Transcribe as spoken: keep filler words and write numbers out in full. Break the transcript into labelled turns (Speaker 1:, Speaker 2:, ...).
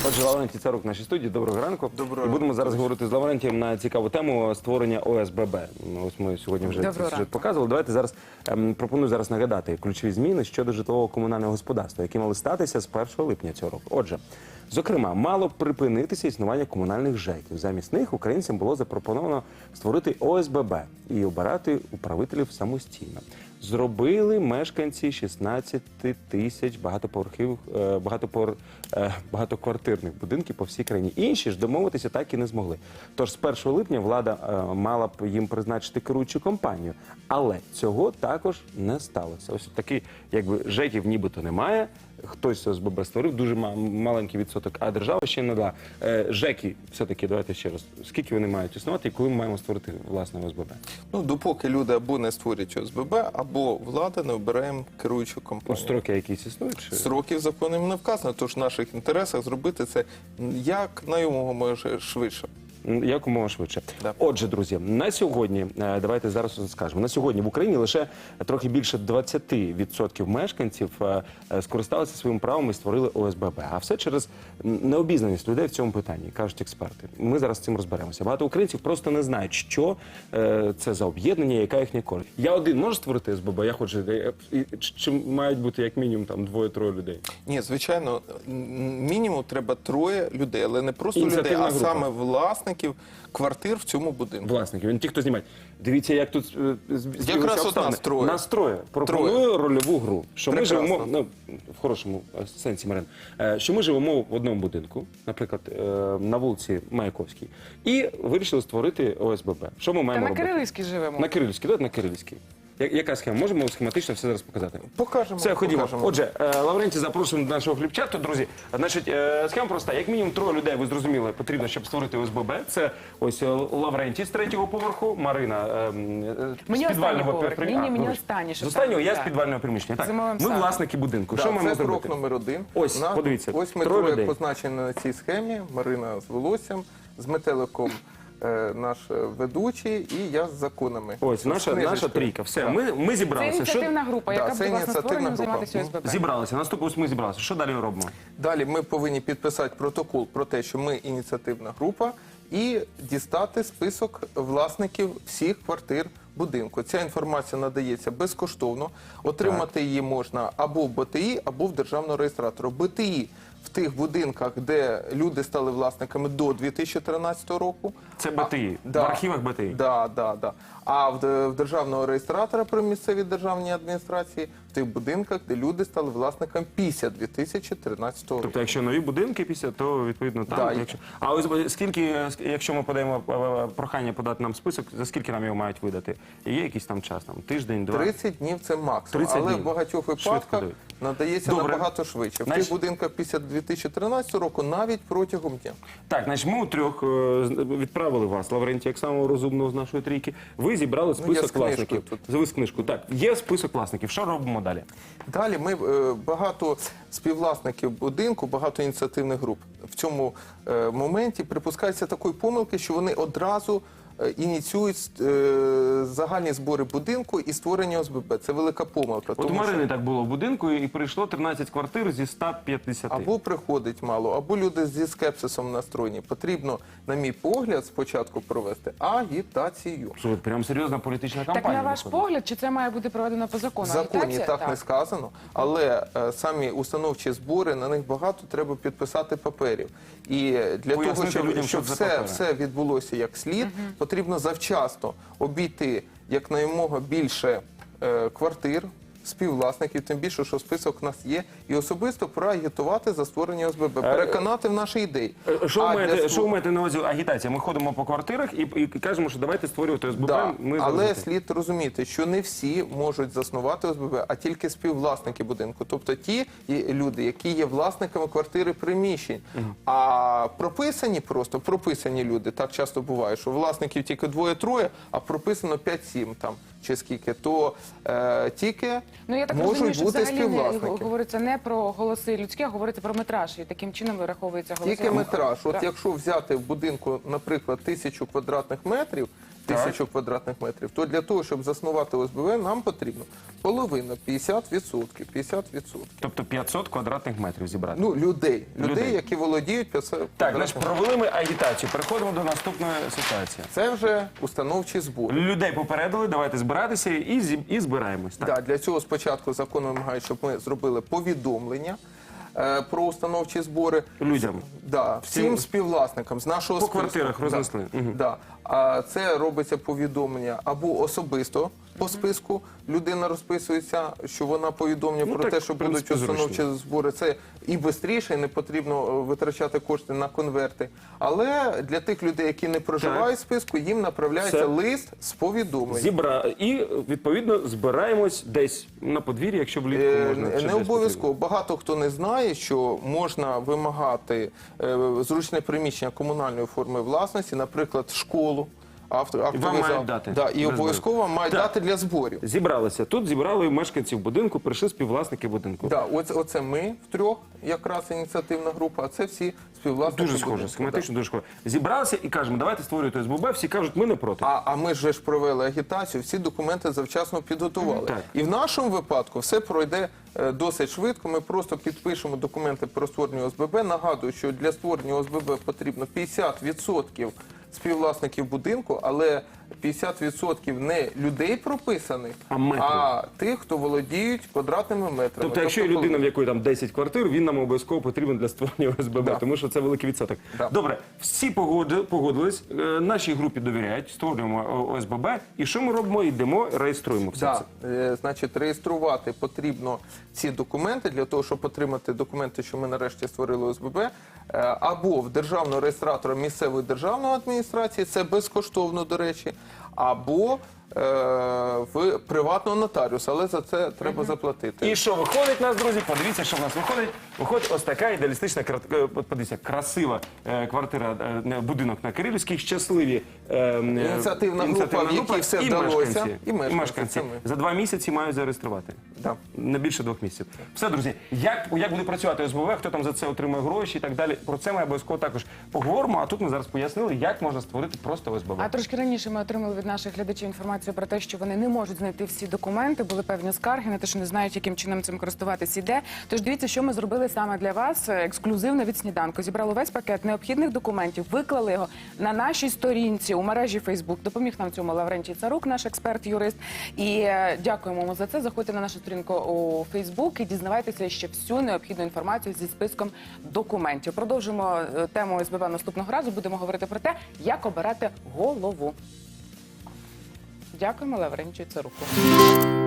Speaker 1: Отже, Лаврентій Царук в нашій студії. Доброго ранку.
Speaker 2: Доброго
Speaker 1: І будемо
Speaker 2: ранку.
Speaker 1: зараз говорити з Лаврентієм на цікаву тему створення О С Б Б. Ось ми сьогодні вже
Speaker 3: Доброго
Speaker 1: цей сюжет
Speaker 3: ранку.
Speaker 1: показували. Давайте зараз ем, пропоную зараз нагадати ключові зміни щодо житлового комунального господарства, які мали статися з першого липня цього року. Отже, зокрема, мало припинитися існування комунальних ЖЕКів. Замість них українцям було запропоновано створити О С Б Б і обирати управителів самостійно. Зробили мешканці шістнадцяти тисяч багатоповерхів, е, багатоповер, е, багатоквартирних будинків по всій країні. Інші ж домовитися так і не змогли. Тож з першого липня влада е, мала б їм призначити керуючу компанію. Але цього також не сталося. Ось такий, якби, ЖЕКів нібито немає. Хтось О С Б Б створив, дуже ма- маленький відсоток, а держава ще не дала. Е, ЖЕКи, все-таки, давайте ще раз, скільки вони мають існувати і коли ми маємо створити власне О С Б Б?
Speaker 2: Ну, допоки люди або не створюють О С Б Б, або влада не обирає керуючу
Speaker 1: Ну,
Speaker 2: компанію.
Speaker 1: строки якісь існують? Чи?
Speaker 2: Сроків законом не вказано, тож в наших інтересах зробити це як найомога швидше.
Speaker 1: Якомога швидше.
Speaker 2: Да.
Speaker 1: Отже, друзі, на сьогодні, е, давайте зараз скажемо, на сьогодні в Україні лише трохи більше двадцять відсотків мешканців е, е, скористалися своїм правом і створили О С Б Б. А все через необізнаність людей в цьому питанні, кажуть експерти. Ми зараз з цим розберемося. Багато українців просто не знають, що е, це за об'єднання, яка їхня користь. Я один можу створити О С Б Б, я хочу, е, і- чи мають бути як мінімум там двоє-троє людей?
Speaker 2: Ні, звичайно, м, мінімум треба троє людей, але не просто людей,
Speaker 1: Ініціативна
Speaker 2: а
Speaker 1: група.
Speaker 2: саме власників квартир в цьому будинку.
Speaker 1: Власників, він ті, хто знімає. Дивіться, як тут е, з- збіглися
Speaker 2: Якраз от
Speaker 1: обставини.
Speaker 2: нас троє.
Speaker 1: Нас троє. Пропоную рольову гру. Що ми
Speaker 2: Прекрасно.
Speaker 1: живемо, ну, в хорошому е, сенсі, Марин, е, що ми живемо в одному будинку, наприклад, е, на вулиці Маяковській, і вирішили створити О С Б Б. Що ми
Speaker 3: Та
Speaker 1: маємо
Speaker 3: на
Speaker 1: робити?
Speaker 3: Кирилівській живемо.
Speaker 1: На Кирилівській, давайте на Кирилівській. Я- Яка схема? Можемо схематично все зараз показати?
Speaker 2: Покажемо.
Speaker 1: Все, ходімо.
Speaker 2: покажемо.
Speaker 1: Отже, е, Лаврентій, запрошуємо до нашого хлібчату, друзі. Значить, е, схема проста. Як мінімум троє людей, ви зрозуміли, потрібно, щоб створити О С Б Б. Це ось е, Лаврентій з третього поверху, Марина е, м, е,
Speaker 3: Мені
Speaker 1: з підвального
Speaker 3: останній поверх.
Speaker 1: приміщення.
Speaker 3: Ні, ні,
Speaker 1: А,
Speaker 3: мені
Speaker 1: вибач.
Speaker 3: останній,
Speaker 1: З
Speaker 3: щоб
Speaker 1: останнього
Speaker 3: там,
Speaker 1: я з
Speaker 3: так.
Speaker 1: підвального приміщення. Так,
Speaker 3: Зимовим
Speaker 1: ми
Speaker 3: садом.
Speaker 1: власники будинку.
Speaker 2: Да,
Speaker 1: Що маємо
Speaker 2: це
Speaker 1: зробити?
Speaker 2: крок номер один.
Speaker 1: Ось,
Speaker 2: У нас-
Speaker 1: подивіться,
Speaker 2: Ось ми
Speaker 1: троє
Speaker 2: троє
Speaker 1: людей.
Speaker 2: позначені на цій схемі. Марина з волоссям, з метеликом е, наш е, ведучий і я з законами.
Speaker 1: Ось,
Speaker 2: З
Speaker 1: наша, наша
Speaker 2: книжечкою.
Speaker 1: трійка. Все,
Speaker 2: Так.
Speaker 1: ми, ми
Speaker 3: Це
Speaker 1: зібралися.
Speaker 3: ініціативна група,
Speaker 2: Да,
Speaker 3: яка
Speaker 2: це
Speaker 3: буде власне
Speaker 2: ініціативна
Speaker 3: створенням
Speaker 2: група.
Speaker 3: займатися О С Б Б.
Speaker 1: Зібралися. Наступно ось ми зібралися. Що далі робимо?
Speaker 2: Далі ми повинні підписати протокол про те, що ми ініціативна група, і дістати список власників всіх квартир будинку. Ця інформація надається безкоштовно. Отримати її можна або в Б Т І, або в державного реєстратора. Б Т І в тих будинках, де люди стали власниками до дві тисячі тринадцятого року.
Speaker 1: Це Б Т І.
Speaker 2: А,
Speaker 1: В архівах Б Т І.
Speaker 2: Да, да, да. А в, в державного реєстратора при місцевій державній адміністрації в тих будинках, де люди стали власниками після дві тисячі тринадцятого року.
Speaker 1: Тобто, якщо нові будинки після, то відповідно там.
Speaker 2: Да,
Speaker 1: Якщо... А ось е, скільки, якщо ми подаємо е, прохання подати нам список, за скільки нам його мають видати? І є якийсь там час, там тиждень, два?
Speaker 2: тридцять днів це максимум,
Speaker 1: тридцять
Speaker 2: але
Speaker 1: днів.
Speaker 2: в багатьох
Speaker 1: Швидко
Speaker 2: випадках
Speaker 1: дають.
Speaker 2: надається
Speaker 1: Добре.
Speaker 2: набагато швидше. В
Speaker 1: Значить-
Speaker 2: тих будинках після дві тисячі тринадцятого року навіть протягом дня.
Speaker 1: Так, значить, ми у трьох е, відправили вас, Лаврентій, як самого розумного з нашої трійки. Ви зібрали
Speaker 2: Ну, я
Speaker 1: список
Speaker 2: з книжкою
Speaker 1: власників.
Speaker 2: тут.
Speaker 1: Завис книжку. Так, є список власників. Що робимо далі?
Speaker 2: Далі ми е, багато співвласників будинку, багато ініціативних груп. В цьому е, моменті припускаються такої помилки, що вони одразу е, ініціюють е, загальні збори будинку і створення О С Б Б. Це велика помилка.
Speaker 1: От у
Speaker 2: тому що-
Speaker 1: Марини так було в будинку, і прийшло тринадцять квартир зі ста п'ятдесят.
Speaker 2: Або приходить мало, або люди зі скепсисом настроєні. Потрібно, на мій погляд, спочатку провести агітацію.
Speaker 1: Слухай, прям серйозна політична
Speaker 3: Так
Speaker 1: кампанія.
Speaker 3: на ваш
Speaker 1: виходить.
Speaker 3: погляд, чи це має бути проведено по
Speaker 2: В
Speaker 3: закону?
Speaker 2: законі
Speaker 3: Агітація?
Speaker 2: так не сказано, але е, самі установчі збори, на них багато треба підписати паперів. І для
Speaker 1: Пояснити
Speaker 2: того, щоб,
Speaker 1: людям,
Speaker 2: щоб
Speaker 1: що це за
Speaker 2: все,
Speaker 1: папери.
Speaker 2: все відбулося як слід, потрібно завчасно обійти якнаймога більше е, квартир, співвласників, тим більше, що список у нас є, і особисто проагітувати за створення О С Б Б, переконати в нашій ідеї.
Speaker 1: Е, Що ви
Speaker 2: А
Speaker 1: маєте,
Speaker 2: для
Speaker 1: що ви маєте на увазі агітація? Ми ходимо по квартирах і, і кажемо, що давайте створювати О С Б Б.
Speaker 2: Да,
Speaker 1: Ми
Speaker 2: але
Speaker 1: зараз-
Speaker 2: слід розуміти, що не всі можуть заснувати О С Б Б, а тільки співвласники будинку. Тобто ті є люди, які є власниками квартири приміщень. А прописані просто, прописані люди, так часто буває, що власників тільки двоє-троє, а прописано п'ять-сім там, чи скільки, то е, тільки
Speaker 3: Ну, я так
Speaker 2: можуть
Speaker 3: розумію, що
Speaker 2: бути
Speaker 3: взагалі не,
Speaker 2: співвласники.
Speaker 3: говориться не про голоси людські, а говориться про метраж. І таким чином вираховується голоси.
Speaker 2: Тільки метраж. От
Speaker 3: Так.
Speaker 2: якщо взяти в будинку, наприклад, тисячу квадратних метрів, тисячу квадратних метрів, то для того, щоб заснувати О С Б В, нам потрібно половина, п'ятдесят відсотків, п'ятдесят відсотків.
Speaker 1: Тобто п'ятсот квадратних метрів зібрати.
Speaker 2: Ну, людей, людей,
Speaker 1: Людей.
Speaker 2: які володіють п'ятсот
Speaker 1: Так,
Speaker 2: квадратних
Speaker 1: значить, провели ми агітацію. Переходимо до наступної ситуації.
Speaker 2: Це вже установчі збори.
Speaker 1: Людей попередили, давайте збиратися і, зі- і збираємось. Так.
Speaker 2: Да, для цього спочатку закон вимагає, щоб ми зробили повідомлення е, про установчі збори.
Speaker 1: Людям.
Speaker 2: Да, всім
Speaker 1: Всім
Speaker 2: співвласникам з нашого
Speaker 1: По
Speaker 2: списку.
Speaker 1: квартирах рознесли.
Speaker 2: Да.
Speaker 1: Мгм.
Speaker 2: Да. А це робиться повідомлення або особисто по списку. Людина розписується, що вона повідомлює
Speaker 1: Ну,
Speaker 2: про
Speaker 1: так,
Speaker 2: те, що
Speaker 1: в принципі,
Speaker 2: будуть установчі
Speaker 1: зручно.
Speaker 2: збори. Це і швидше, і не потрібно е, витрачати кошти на конверти. Але для тих людей, які не проживають в списку, їм направляється
Speaker 1: Все.
Speaker 2: лист з повідомленням.
Speaker 1: Зібра... І, відповідно, збираємось десь на подвір'ї, якщо влітку
Speaker 2: Е,
Speaker 1: можна. чи
Speaker 2: Не
Speaker 1: десь
Speaker 2: обов'язково. Багато хто не знає, що можна вимагати е, зручне приміщення комунальної форми власності, наприклад, школу, авто,
Speaker 1: вам
Speaker 2: автовий
Speaker 1: мають
Speaker 2: зал.
Speaker 1: дати
Speaker 2: Да,
Speaker 1: для
Speaker 2: і обов'язково мають
Speaker 1: Так.
Speaker 2: дати для зборів.
Speaker 1: Зібралися. Тут зібрали мешканців будинку, прийшли співвласники будинку.
Speaker 2: Да, оце, оце ми втрьох, якраз ініціативна група, а це всі співвласники
Speaker 1: Дуже схоже,
Speaker 2: будинку.
Speaker 1: схематично дуже схоже. Зібралися і кажемо, давайте створювати О С Б Б. Всі кажуть, ми не проти.
Speaker 2: А, а ми ж провели агітацію, всі документи завчасно підготували.
Speaker 1: Так.
Speaker 2: І в нашому випадку все пройде е, досить швидко. Ми просто підпишемо документи про створення О С Б Б. Нагадую, що для створення О С Б Б потрібно п'ятдесят відсотків співвласників будинку, але п'ятдесят відсотків не людей прописаних,
Speaker 1: А метрів.
Speaker 2: а тих, хто володіють квадратними метрами.
Speaker 1: Тобто, якщо є людина, в якої там десять квартир, він нам обов'язково потрібен для створення О С Б Б,
Speaker 2: Да.
Speaker 1: тому що це великий відсоток.
Speaker 2: Да.
Speaker 1: Добре, всі погоди- погодились, е, нашій групі довіряють, створюємо О С Б Б. І що ми робимо? Йдемо, реєструємо все
Speaker 2: Да,
Speaker 1: це.
Speaker 2: е, значить, реєструвати потрібно ці документи для того, щоб отримати документи, що ми нарешті створили О С Б Б, е, або в державного реєстратора місцевої державної адміністрації, це безкоштовно, до речі, або е, в приватного нотаріуса, але за це треба заплатити.
Speaker 1: І що виходить у нас, друзі? Подивіться, що в нас виходить. Виходить ось така ідеалістична, кра- е, от подивіться, красива е, квартира, е, будинок на Кирилівській, щасливі е, е,
Speaker 2: Ініціативна група, в якій все
Speaker 1: і
Speaker 2: вдалося,
Speaker 1: мешканці,
Speaker 2: і мешканці, це ми.
Speaker 1: за два місяці мають зареєструвати.
Speaker 2: Да.
Speaker 1: Не більше двох місяців. Все, друзі, як, як буде працювати О С Б Б, хто там за це отримує гроші і так далі. Про це ми обов'язково також поговоримо. А тут ми зараз пояснили, як можна створити просто О С Б Б.
Speaker 3: А трошки раніше ми отримали від наших глядачів інформацію про те, що вони не можуть знайти всі документи, були певні скарги на те, що не знають, яким чином цим користуватися іде. Тож дивіться, що ми зробили саме для вас ексклюзивно від сніданку. Зібрали весь пакет необхідних документів, виклали його на нашій сторінці у мережі Фейсбук. Допоміг нам в цьому Лаврентій Царук, наш експерт-юрист. І е, дякуємо йому за це. Заходьте на нашу сторінку у Фейсбук і дізнавайтеся ще всю необхідну інформацію зі списком документів. Продовжимо е, тему О С Б Б наступного разу. Будемо говорити про те, як обирати голову. Дякуємо Лаврентію Царуку.